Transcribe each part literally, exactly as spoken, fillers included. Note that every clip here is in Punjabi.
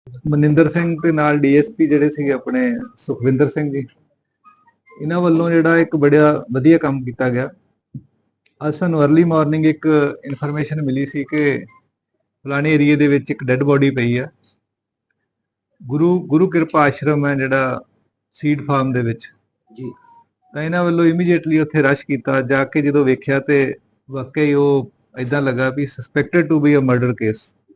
ਮਨਿੰਦਰ ਸਿੰਘ ਤੇ ਨਾਲ ਡੀਐਸਪੀ ਜਿਹੜੇ ਸੀਗੇ ਆਪਣੇ ਸੁਖਵਿੰਦਰ ਸਿੰਘ ਜੀ, ਇਹਨਾਂ ਵੱਲੋਂ ਜਿਹੜਾ ਇੱਕ ਬੜਾ ਵਧੀਆ ਕੰਮ ਕੀਤਾ ਗਿਆ। ਅੱਜ ਸਾਨੂੰ अर्ਲੀ ਮਾਰਨਿੰਗ ਇੱਕ ਇਨਫੋਰਮੇਸ਼ਨ ਮਿਲੀ ਸੀ ਕਿ ਫਲਾਣੇ ਏਰੀਏ ਦੇ ਵਿੱਚ ਇੱਕ ਡੈੱਡ ਬੋਡੀ ਪਈ ਆ। ਗੁਰੂ ਗੁਰੂ ਕਿਰਪਾ ਆਸ਼ਰਮ ਹੈ ਜਿਹੜਾ ਸੀਡ ਫਾਰਮ ਦੇ ਵਿੱਚ ਜੀ, ਤਾਂ ਇਹਨਾਂ ਵੱਲੋਂ ਇਮੀਡੀਏਟਲੀ ਉੱਥੇ ਰਸ਼ ਕੀਤਾ। ਜਾ ਕੇ ਜਦੋਂ ਵੇਖਿਆ ਤੇ ਵਾਕਈ ਉਹ ਇਦਾਂ ਲੱਗਾ ਵੀ suspected to be a murder case.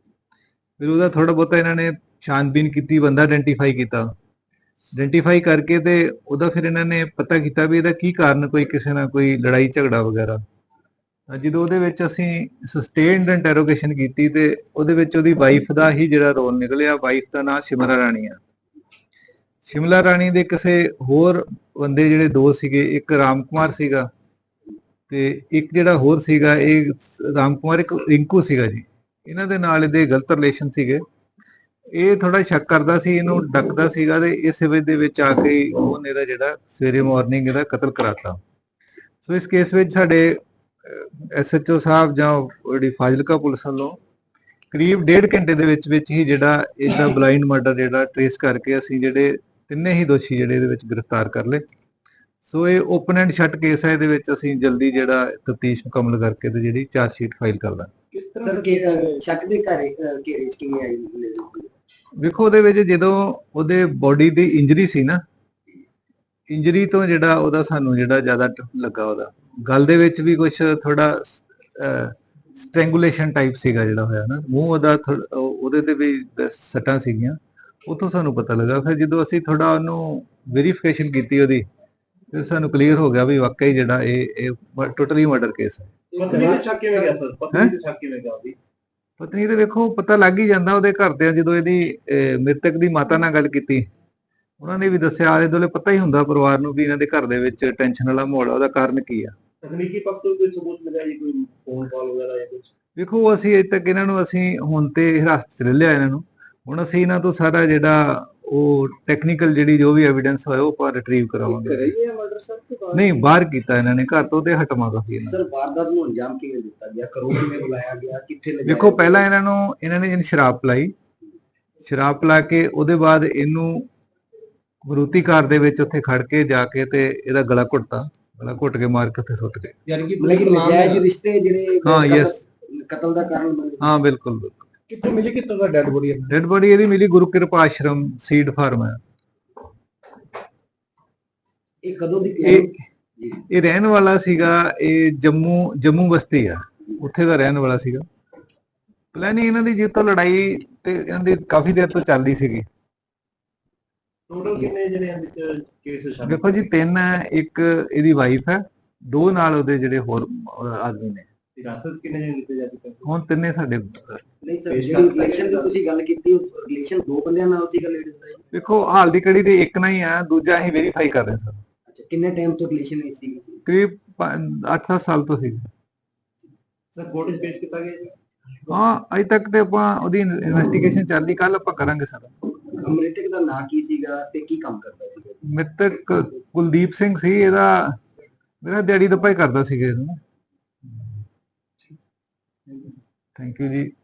ਫਿਰ ਉਹਦਾ ਥੋੜਾ ਬਹੁਤਾ ਇਹਨਾਂ ਨੇ ਛਾਨਬੀਨ ਕੀਤੀ, ਬੰਦਾ ਆਇਡੈਂਟੀਫਾਈ ਕੀਤਾ। ਆਇਡੈਂਟੀਫਾਈ ਕਰਕੇ ਤੇ ਉਹਦਾ ਫਿਰ ਇਹਨਾਂ ਨੇ ਪਤਾ ਕੀਤਾ ਵੀ ਇਹਦਾ ਕੀ ਕਾਰਨ, ਕੋਈ ਕਿਸੇ ਨਾਲ ਕੋਈ ਲੜਾਈ ਝਗੜਾ ਵਗੈਰਾ। ਜਦੋਂ ਉਹਦੇ ਵਿੱਚ ਅਸੀਂ ਸਸਟੇਨਡ ਇੰਟਰੋਗੇਸ਼ਨ ਕੀਤੀ ਤੇ ਉਹਦੇ ਵਿੱਚ ਉਹਦੀ ਵਾਈਫ ਦਾ ਹੀ ਜਿਹੜਾ ਰੋਲ ਨਿਕਲਿਆ। ਵਾਈਫ ਦਾ ਨਾਮ ਸ਼ਿਮਲਾ ਰਾਣੀ ਆ। ਸ਼ਿਮਲਾ ਰਾਣੀ ਦੇ ਕਿਸੇ ਹੋਰ ਬੰਦੇ ਜਿਹੜੇ ਦੋ ਸੀਗੇ, ਇੱਕ ਰਾਮ ਕੁਮਾਰ ਸੀਗਾ ਤੇ ਇੱਕ ਜਿਹੜਾ ਹੋਰ ਸੀਗਾ, ਇਹ ਰਾਮ ਕੁਮਾਰ ਇੱਕ ਰਿੰਕੂ ਸੀਗਾ ਜੀ। ਇਹਨਾਂ ਦੇ ਨਾਲ ਇਹਦੇ ਗਲਤ ਰਿਲੇਸ਼ਨ ਸੀਗੇ। ਇਹ ਥੋੜਾ ਸ਼ੱਕ ਕਰਦਾ ਸੀ, ਇਹਨੂੰ ਡੱਕਦਾ ਸੀਗਾ ਤੇ ਇਸ ਵਜ੍ਹਾ ਦੇ ਵਿੱਚ ਆ ਕੇ ਉਹਨੇ ਇਹਦਾ ਜਿਹੜਾ ਸਵੇਰੇ ਮਾਰਨਿੰਗ ਇਹਦਾ ਕਤਲ ਕਰਾਤਾ। ਸੋ ਇਸ ਕੇਸ ਵਿੱਚ ਸਾਡੇ ਐਸਐਚਓ ਸਾਹਿਬ ਜਾਂ ਜਿਹੜੀ ਫਾਜ਼ਿਲਕਾ ਪੁਲਿਸ ਵੱਲੋਂ ਕਰੀਬ ਡੇਢ ਘੰਟੇ ਦੇ ਵਿੱਚ ਵਿੱਚ ਹੀ ਜਿਹੜਾ ਇਹਦਾ ਬਲਾਈਂਡ ਮਰਡਰ ਜਿਹੜਾ ਟ੍ਰੇਸ ਕਰਕੇ ਅਸੀਂ ਜਿਹੜੇ ਤਿੰਨੇ ਹੀ ਦੋਸ਼ੀ ਜਿਹੜੇ ਇਹਦੇ ਵਿੱਚ ਗ੍ਰਿਫਤਾਰ ਕਰ ਲਏ। ਸੋ ਇਹ ਓਪਨ ਐਂਡ ਸ਼ਟ ਕੇਸ ਹੈ। ਇਹਦੇ ਵਿੱਚ ਅਸੀਂ ਜਲਦੀ ਜਿਹੜਾ ਤਫਤੀਸ਼ ਮੁਕੰਮਲ ਕਰਕੇ ਤੇ ਜਿਹੜੀ ਚਾਰਜ ਸ਼ੀਟ ਫਾਈਲ ਕਰ ਦਾਂਗੇ। ਕਿਸ ਤਰ੍ਹਾਂ ਕਿ ਸ਼ੱਕ ਦੇ ਘਰੇ ਘੇਰੇ ਚ ਕਿਵੇਂ ਆਈ? ਵੇਖੋ ਉਹਦੇ ਵਿੱਚ ਜਦੋਂ ਉਹਦੇ ਬੋਡੀ ਦੀ ਇੰਜਰੀ ਸੀ ਨਾ, ਇੰਜਰੀ ਤੋਂ ਜਿਹੜਾ ਉਹਦਾ ਸਾਨੂੰ ਜਿਹੜਾ ਜ਼ਿਆਦਾ ਲੱਗਾ, ਉਹਦਾ ਗਲ ਦੇ ਵਿੱਚ ਵੀ ਕੁਝ ਥੋੜਾ ਸਟ੍ਰੈਂਗੂਲੇਸ਼ਨ ਟਾਈਪ ਸੀਗਾ ਜਿਹੜਾ ਹੋਇਆ ਨਾ, ਮੂੰਹ ਉਹਦਾ ਉਹਦੇ ਤੇ ਵੀ ਸੱਟਾਂ ਸੀਗੀਆਂ। ਉੱਥੋਂ ਸਾਨੂੰ ਪਤਾ ਲੱਗਾ। ਫਿਰ ਜਦੋਂ ਅਸੀਂ ਥੋੜਾ ਉਹਨੂੰ ਵੈਰੀਫਿਕੇਸ਼ਨ ਕੀਤੀ ਉਹਦੀ, ਫਿਰ ਸਾਨੂੰ ਕਲੀਅਰ ਹੋ ਗਿਆ ਵੀ ਵਾਕਈ ਜਿਹੜਾ ਇਹ ਟੋਟਲੀ ਮਰਡਰ ਕੇਸ ਹੈ। ਪਤਨੀ ਦੇ ਸ਼ੱਕ ਕਿਵੇਂ ਗਿਆ ਸਰ? ਪਤਨੀ ਦੇ ਸ਼ੱਕ ਕਿਵੇਂ ਗਿਆ ਉਹਦੀ? ਪਤਨੀ ਤੇ ਵੇਖੋ ਪਤਾ ਲੱਗ ਹੀ ਜਾਂਦਾ ਉਹਦੇ ਘਰ ਦੇ। ਜਦੋਂ ਇਹਦੀ ਮ੍ਰਿਤਕ ਦੀ ਮਾਤਾ ਨਾਲ ਗੱਲ ਕੀਤੀ, ਉਹਨਾਂ ਨੇ ਵੀ ਦੱਸਿਆ, ਆਲੇ ਦੁਆਲੇ ਪਤਾ ਹੀ ਹੁੰਦਾ ਪਰਿਵਾਰ ਨੂੰ ਵੀ ਇਹਨਾਂ ਦੇ ਘਰ ਦੇ ਵਿੱਚ ਟੈਨਸ਼ਨ ਵਾਲਾ ਮਾਹੌਲ ਆ। ਉਹਦਾ ਕਾਰਨ ਕੀ ਆ? ਤਕਨੀਕੀ ਪੱਖ ਤੋਂ ਕੋਈ ਸਬੂਤ ਮਿਲਿਆ ਜੀ, ਕੋਈ ਫੋਨ ਕਾਲ ਵਗੈਰਾ ਜਾਂ ਕੁਝ? ਵੇਖੋ ਅਸੀਂ ਅਜੇ ਤੱਕ ਇਹਨਾਂ ਨੂੰ ਅਸੀਂ ਹੁਣ ਤੇ ਹਿਰਾਸਤ 'ਚ ਲੈ ਲਿਆ ਇਹਨਾਂ ਨੂੰ। ਹੁਣ ਅਸੀਂ ਇਹਨਾਂ ਤੋਂ ਸਾਰਾ ਜਿਹੜਾ ਉਹ ਟੈਕਨੀਕਲ ਜਿਹੜੀ ਜੋ ਵੀ ਐਵੀਡੈਂਸ ਹੋਇਆ ਉਹ ਆਪਾਂ ਰਿਟਰੀਵ ਕਰਾਵਾਂਗੇ। ਨਹੀਂ, ਬਾਹਰ ਕੀਤਾ ਇਹਨਾਂ ਨੇ, ਘਰ ਤੋਂ ਤੇ ਹਟਵਾ ਕਾਫੀ। ਸਰ ਵਾਰਦਾਤ ਨੂੰ ਅੰਜਾਮ ਕਿਵੇਂ ਦਿੱਤਾ ਗਿਆ? ਘਰੋਂ ਕਿਵੇਂ ਬੁਲਾਇਆ ਗਿਆ? ਕਿੱਥੇ ਲੈ? ਵੇਖੋ ਪਹਿਲਾਂ ਇਹਨਾਂ ਨੂੰ ਇਹਨਾਂ ਨੇ ਸ਼ਰਾਬ ਪਿਲਾਈ। ਸ਼ਰਾਬ ਪਿਲਾ ਕੇ ਉਹਦੇ ਬਾਅਦ ਇਹਨੂੰ ਮਰੂਤੀ ਕਾਰ ਦੇ ਵਿੱਚ ਉੱਥੇ ਖੜ ਕੇ ਜਾ ਕੇ ਤੇ ਇਹਦਾ ਗਲਾ ਘੁੱਟਤਾ। ਗਲਾ ਘੁੱਟ ਕੇ ਮਾਰ ਕੇ ਉੱਥੇ ਸੁੱਟ ਗਏ। ਯਾਨੀ ਕਿ ਨਜਾਇਜ਼ ਰਿਸ਼ਤੇ ਜਿਹੜੇ ਹਾਂ ਯੈਸ ਕਤਲ ਦਾ ਕਾਰਨ ਬਣੇ। ਹਾਂ ਬਿਲਕੁਲ ਬਿਲਕੁਲ। ਕਿੱਥੋਂ ਮਿਲੀ, ਕਿੱਥੋਂ ਦਾ ਡੈਡ ਬੋਡੀ? ਡੈਡ ਬੋਡੀ ਇਹਦੀ ਮਿਲੀ ਗੁਰੂ ਕਿਰਪਾ ਆਸ਼ਰਮ ਸੀਡ ਫਾਰਮ ਹੈ। ਇਹ ਕਦੋਂ ਦੀ? ਇਹ ਇਹ ਰਹਿਣ ਵਾਲਾ ਸੀਗਾ, ਇਹ ਜੰਮੂ ਜੰਮੂ ਬਸਤੀ ਆ, ਉੱਥੇ ਦਾ ਰਹਿਣ ਵਾਲਾ ਸੀਗਾ। ਪਲੈਨਿੰਗ ਇਹਨਾਂ ਦੀ ਜਿੱਤੋਂ ਲੜਾਈ ਤੇ ਇਹਨਾਂ ਦੀ ਕਾਫੀ ਦੇਰ ਤੋਂ ਚੱਲਦੀ ਸੀਗੀ। ਟੋਟਲ ਕਿੰਨੇ ਜਿਹੜੇ ਇਹਦੇ ਵਿੱਚ ਕੇਸ ਸ਼ਾਮਿਲ? ਦੇਖੋ ਜੀ ਤਿੰਨ ਹੈ, ਇੱਕ ਇਹਦੀ ਵਾਈਫ ਹੈ, ਦੋ ਨਾਲ ਉਹਦੇ ਜਿਹੜੇ ਹੋਰ ਆਦਮੀ ਨੇ। ਹਿਰਾਸਤ ਕਿੰਨੇ ਜਣੇ ਲਿੱਤੇ ਜਾ ਚੁੱਕੇ? ਹੁਣ ਤਿੰਨੇ ਸਾਡੇ। ਨਹੀਂ ਸਰ, ਜਿਹੜੀ ਰਿਲੇਸ਼ਨ ਦੀ ਤੁਸੀਂ ਗੱਲ ਕੀਤੀ, ਉਹ ਰਿਲੇਸ਼ਨ ਦੋ ਬੰਦਿਆਂ ਨਾਲ ਸੀ ਗੱਲ? ਦੇਖੋ ਹਾਲ ਦੀ ਕੜੀ ਤੇ ਇੱਕ ਨਾ ਹੀ ਆ, ਦੂਜਾ ਅਸੀਂ ਵੈਰੀਫਾਈ ਕਰ ਰਹੇ ਸਰ। ਅੱਛਾ, ਕਿੰਨੇ ਟਾਈਮ ਤੋਂ ਰਿਲੇਸ਼ਨ ਨਹੀਂ ਸੀ? ਕਰੀਬ ਅੱਠ ਸੱਤ ਸਾਲ ਤੋਂ ਸੀ ਸਰ। ਕੋਰਟ ਵਿੱਚ ਪੇਸ਼ ਕੀਤਾ ਗਿਆ ਜੀ? ਹਾਂ ਅਜੇ ਤੱਕ ਤੇ ਆਪਾਂ ਉਹਦੀ ਇਨਵੈਸਟੀਗੇਸ਼ਨ ਚੱਲਦੀ, ਕੱਲ ਆਪਾਂ ਕਰਾਂਗੇ ਸਰ। ਮ੍ਰਿਤਕ ਦਾ ਨਾਂ ਕੀ ਸੀਗਾ ਤੇ ਕੀ ਕੰਮ ਕਰਦਾ ਸੀ? ਮ੍ਰਿਤਕ ਕੁਲਦੀਪ ਸਿੰਘ ਸੀ। ਇਹਦਾ ਮੇਰਾ ਦਿਹਾੜੀ ਦੱਪਾ ਹੀ ਕਰਦਾ ਸੀਗਾ ਇਹਨੂੰ। ਥੈਂਕ ਯੂ ਜੀ।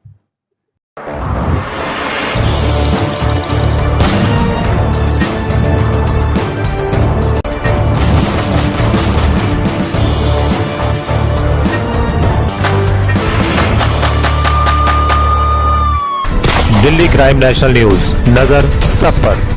दिल्ली क्राइम नेशनल न्यूज, नजर सब पर।